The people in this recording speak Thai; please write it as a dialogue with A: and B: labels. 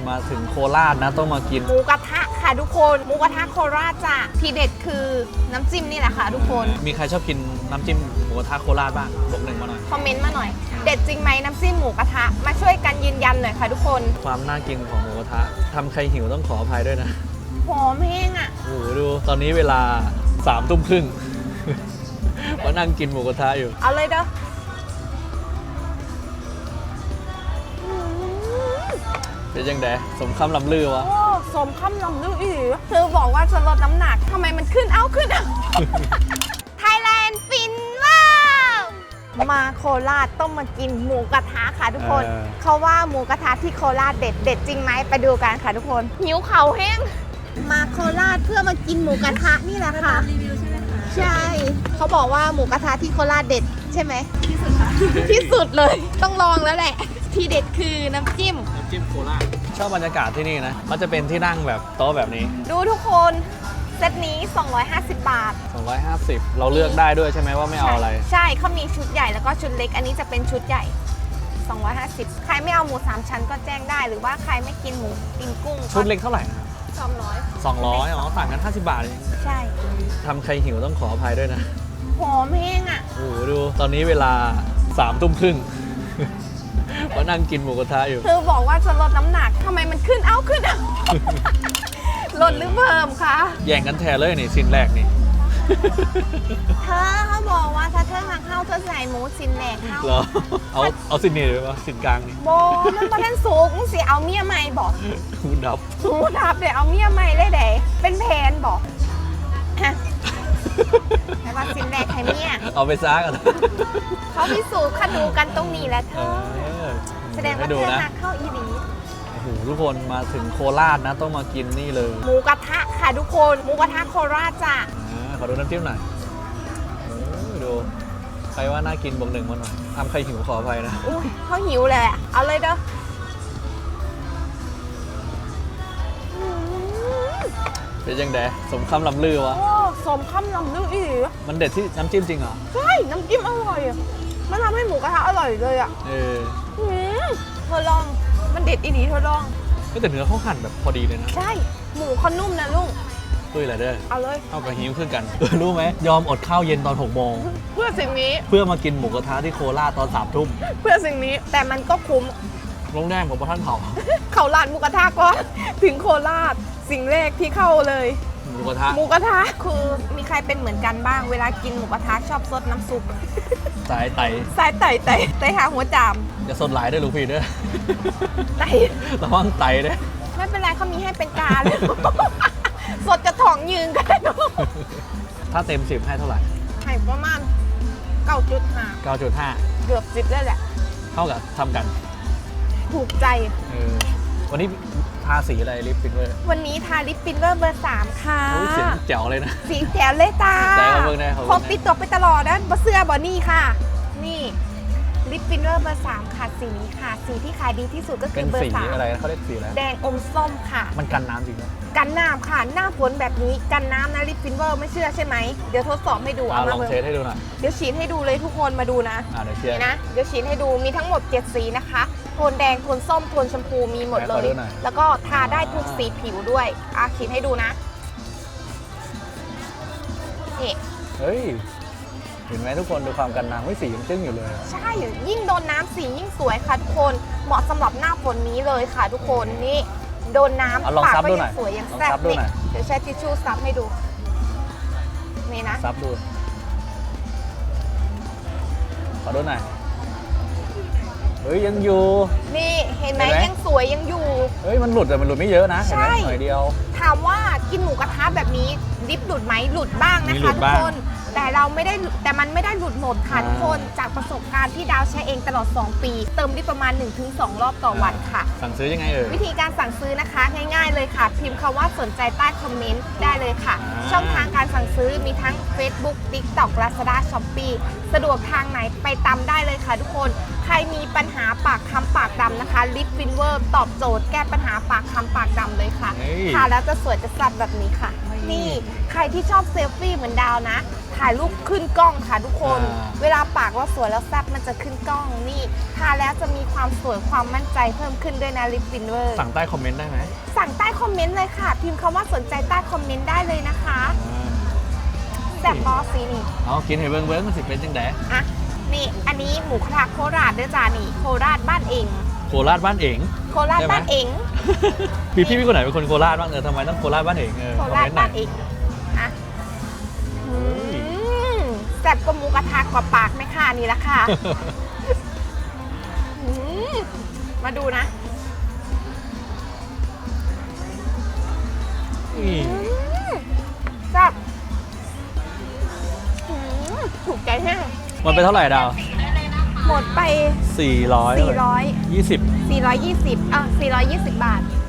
A: มาถึงโคราชนะต้องมากิน
B: หมูกระทะค่ะทุกคนหมูกระทะโคราชจ้ะที่เด็ดคือน้ำจิ้มนี่แหละค่ะทุกคน
A: มีใครชอบกินน้ำจิ้มหมูกระทะโคราชบ้างบอกหนึ่งมาหน่อย
B: คอมเมนต์มาหน่อยเด็ดจริงไหมน้ำจิ้มหมูกระทะมาช่วยกันยืนยันหน่อยค่ะทุกคน
A: ความน่ากินของหมูกระทะทำใครหิวต้องขออภัยด้วยนะ
B: หอมแห้งอ่ะ
A: โอ้โหดูตอนนี้เวลา3 ทุ่มครึ่งมานั่งกินหมูกระทะอยู่
B: เอาเลยเด้อ
A: เป็นยังไงสมคำลำลือวะ
B: โอ้สมคำลำลืออีเธอบอกว่าจะลดน้ำหนักทำไมมันขึ้นเอาไทยแลนด์ฟินว้าวมาโคราชต้องมากินหมูกระทะค่ะทุกคนเขาว่าหมูกระทะที่โคราชเด็ดจริงไหมไปดูกันค่ะทุกคนหิวเข่าแห้งมาโคราชเพื่อมากินหมูกระทะนี่แหละค่ะรีวิวใช่ไหมคะใช่เขาบอกว่าหมูกระทะที่โคราชเด็ดใช่ไหมที่สุดค่ะที่สุดเลยต้องลองแล้วแหละที่เด็ดคือน้ำจิ้ม
A: โคราชชอบบรรยากาศที่นี่นะมันจะเป็นที่นั่งแบบโต๊ะแบบนี้
B: ดูทุกคนเซตนี้250 บาท
A: 250เราเลือกได้ด้วยใช่ไหมว่าไม่เอาอะไร
B: ใช่เขามีชุดใหญ่แล้วก็ชุดเล็กอันนี้จะเป็นชุดใหญ่250ใครไม่เอาหมู3ชั้นก็แจ้งได้หรือว่าใครไม่กินหมูกินกุ้ง
A: ชุดเล็กเท่าไหร่นะครับ200อ๋อต่างกัน50 บาทเอง
B: ใช่
A: ทำใครหิวต้องขออภัยด้วยนะ
B: หอมแห้งอ่ะ
A: โอ้โหดูตอนนี้เวลา3 ทุ่มครึ่งมานั่งกินหมูกระทะอยู่
B: เธอบอกว่าจะลดน้ำหนักทำไมมันขึ้นเอาลดหรือเพิ่มคะ
A: แย่งกันแทนเลยนี่ชิ้นแรกนี่
B: เขาบอกว่าถ้าเธอหักเข้าเธอใส่หมูชิ้นแรกเข้า
A: เหรอเอาชิ้นนี้เลยปะชิ้นกลางนี่
B: โบมันประเด็นสูงสิเอาเมียใหม่บอก
A: หูดับ
B: เดี๋ยวเอาเมียใหม่เลยเดี๋ยวเป็นแผนบอกแต่ว่าชิ้นแรกให้เมีย
A: เอาไปซักกัน
B: เขาพิสูจน์คัดดูกันตรงนี้แหละเธอแสดงว่าเธอหักเข้าอีดี
A: โอ้โหทุกคนมาถึงโคราชนะต้องมากินนี่เลย
B: หมูกระทะค่ะทุกคนหมูกระทะโคราชจ้ะ
A: ขอดูน้ำจิ้มหน่อยดูใครว่าน่ากินบอกหนึ่งมาหน่อยทำใครหิวขออภัยนะ
B: อุ้ยเขาหิวเลยเอาเลยเด้อ
A: เป็นยังไงสมคำลำลือวะ
B: สมคำลำลืออี
A: มันเด็ดที่น้ำจิ้มจริงเหรอ
B: ใช่น้ำจิ้มอร่อยมันทำให้หมูกระทะอร่อยเลยอ่ะเธอลองมันเด็ดอีเธอลอง
A: แต่เนื้อเขาหั่นแบบพอดีเลยนะ
B: ใช่หมูเขานุ่มนะลุง
A: ตุ้ยอะไรเด้อ
B: เอาเลย
A: เอากระหิวขึ้นกันรู้ไหมยอมอดข้าวเย็นตอน6 โมง
B: เพื่อสิ่งนี้
A: เพื่อมากินหมูกระทะที่โคราชตอน3 ทุ่ม
B: เพื่อสิ่งนี้แต่มันก็คุ้ม
A: โรงแรมของพระท่าน
B: เขาร้านหมูกระทะก็ถึงโคราชสิ่งแรกที่เข้าเลย
A: หมูกระทะ
B: คือมีใครเป็นเหมือนกันบ้างเวลากินหมูกระทะชอบซดน้ำซุป
A: สายไ
B: ต่หาหัวจาม
A: อย่าสดหลายด้วยลูกพี่ด้วย
B: ไต
A: ระวังไตด้วย
B: ไม่เป็นไรเขามีให้เป็นกาเลยสดกระถ่องยืนกัน
A: ถ้าเต็ม10ให้เท่าไหร่
B: ให้ประมาณ 9.5 เกือบ10ได้แหละ
A: เท่ากับทำกัน
B: ถูกใจ
A: วันนี้ทาสีอะไรลิปฟินเวอร์
B: วันนี้ทาลิปฟินเวอร์เบอร์ 3ค่ะ
A: สีแจ๋วเลยนะ
B: สีแจ๋วเลยตาพกติดตัวไปตลอดนะเสื้อบอนี่ค่ะนี่ลิปฟินเวอร์เบอร์ 3ค่ะสีนี้ค่ะสีที่ขายดีที่สุดก็คือเบอร์ 3
A: เป็นสีอะไรเขาเรียกสีอะไร
B: แดงอมส้มค่ะ
A: มันกันน้ำจริงไหม
B: กันน้ำค่ะหน้าฝนแบบนี้กันน้ำนะลิปฟินเวอร์ไม่เชื่อใช่ไหมเดี๋ยวทดสอบให้ดู
A: เอามาลองเทสให้ดูหน่อย
B: เดี๋ยวฉีดให้ดูเลยทุกคนมาดูนะ
A: เดี๋ยวเชียร์
B: นะเดี๋ยวฉีดให้ดูมีทั้งหมด7 สีนะคะโทนแดงโทนส้มโทนชมพูมีหมดเลยแล้วก็ทาได้ทุกสีผิวด้วยฉีดให้ดูนะนี่
A: เฮ้ยเห็นไหมทุกคนดูความกันน้ำไม่สียังจึ้งอยู่เลย
B: ใช่ยิ่งโดนน้ำสียิ่งสวยค่ะทุกคนเหมาะสำหรับหน้าฝนนี้เลยค่ะทุกคนนี่โดนน้ำ
A: ปากก็
B: ยังสวยยังแซ่บนี่เดี๋ยวใช้ทิชชู่ซับให้ดูนี่นะ
A: ซับดูขอดูหน่อยเฮ้ยยังอยู่
B: นี่เห็นไหมยังสวยยังอยู่
A: เฮ้ยมันหลุดแต่มันหลุดไม่เยอะนะ
B: ใช่
A: หน่อยเดียว
B: ถามว่ากินหมูกระทะแบบนี้ดิฟหลุดไหมหลุดบ้างนะคะทุกคนแต่มันไม่ได้หลุดหมดค่ะทุกคนจากประสบการณ์ที่ดาวใช้เองตลอด2 ปีเติมได้ประมาณ 1-2 รอบต่อวันค่ะ
A: สั่งซื้อยังไง
B: วิธีการสั่งซื้อนะคะง่ายๆเลยค่ะพิมพ์คำว่าสนใจใต้คอมเมนต์ได้เลยค่ะช่องทางการสั่งซื้อมีทั้ง Facebook TikTok Lazada Shopee สะดวกทางไหนไปตำได้เลยค่ะทุกคนใครมีปัญหาปากค้ำปากดำนะคะลิปฟินเวอร์ตอบโจทย์แก้ปัญหาปากค้ำปากดำเลยค่ะ
A: เฮ้ย
B: ทาแล้วจะสวยจะสับแบบนี้ค่ะ นี่ใครที่ชอบเซลฟี่เหมือนดาวนะ ถ่ายรูปขึ้นกล้องค่ะทุกคน เวลาปากเราสวยแล้วแซ่บมันจะขึ้นกล้องนี่ทาแล้วจะมีความสวยความมั่นใจเพิ่มขึ้นด้วยนะลิปฟินเวอร์
A: สั่งใต้คอมเมนต์ได้ไหม
B: สั่งใต้คอมเมนต์เลยค่ะ พิมพ์คำว่าสนใจใต้คอมเมนต์ได้เลยนะคะแซ่บบอสซีนี่
A: เอากินให้เบิ้งมันสิเป็นจังได
B: อ่ะนี่อันนี้หมูกระทะโคราชเด้อจ้านี่โคราชบ้านเอง
A: โคราชบ้านเอง
B: โคราช
A: ใช่ไหม
B: บ้านเอง
A: พี่คนไหนเป็นคนโคราชบ้างทำไมต้องโคราชบ้านเอง
B: โค
A: คอม
B: ราช
A: เมนต์หน่
B: บ้า
A: อน ย
B: เองอ่ะแซ่บกว่าหมูกระทะกว่าปากไหมค่ะนี่ละค่ะ อืมมาดูนะ จับถูกใจแห้ง
A: มันเป็นเท่าไหร่ดาว
B: หมดไป
A: 400
B: 400
A: 20
B: 420 420 บาท